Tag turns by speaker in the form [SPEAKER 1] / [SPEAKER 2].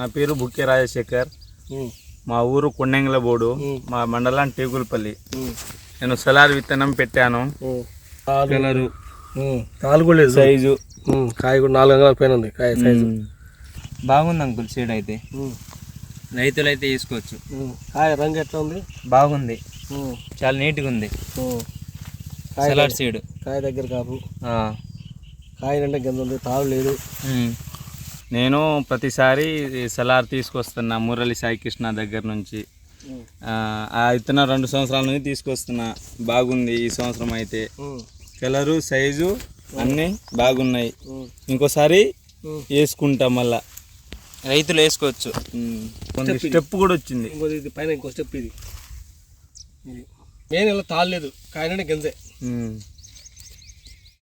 [SPEAKER 1] నా పేరు బుక్కే రాజశేఖర్. మా ఊరు కొండెంగలబోడు, మా మండలం టేకులపల్లి. నేను సలార్ విత్తనం పెట్టాను. కలరు,
[SPEAKER 2] కాలు కూడా లేదు,
[SPEAKER 1] సైజు,
[SPEAKER 2] కాయ కూడా 4 అంగుళాల పైన ఉంది. కాయ సైజు
[SPEAKER 3] బాగుంది అంకుల్. సీడ్ అయితే రైతులు అయితే తీసుకోవచ్చు.
[SPEAKER 2] కాయ రంగు ఎట్లా ఉంది?
[SPEAKER 3] బాగుంది, చాలా నీట్గా ఉంది. సలాడ్ సీడ్
[SPEAKER 2] కాయ దగ్గర కాపు, కాయ అంటే గింజ ఉంది, తాడు లేదు.
[SPEAKER 1] నేను ప్రతిసారి సలార్ తీసుకొస్తున్నా మురళి సాయి కృష్ణ దగ్గర నుంచి. ఆ విత్తనం 2 సంవత్సరాల నుంచి తీసుకొస్తున్నా. బాగుంది ఈ సంవత్సరం అయితే. కలరు, సైజు అన్నీ బాగున్నాయి. ఇంకోసారి వేసుకుంటా, మళ్ళా
[SPEAKER 3] రైతులు వేసుకోవచ్చు.
[SPEAKER 1] స్టెప్ కూడా వచ్చింది.
[SPEAKER 2] ఇది పైన ఇంకో స్టెప్. ఇది మెయిన్ ఇలా తాళలేదు, కాయ అంటే గింజే.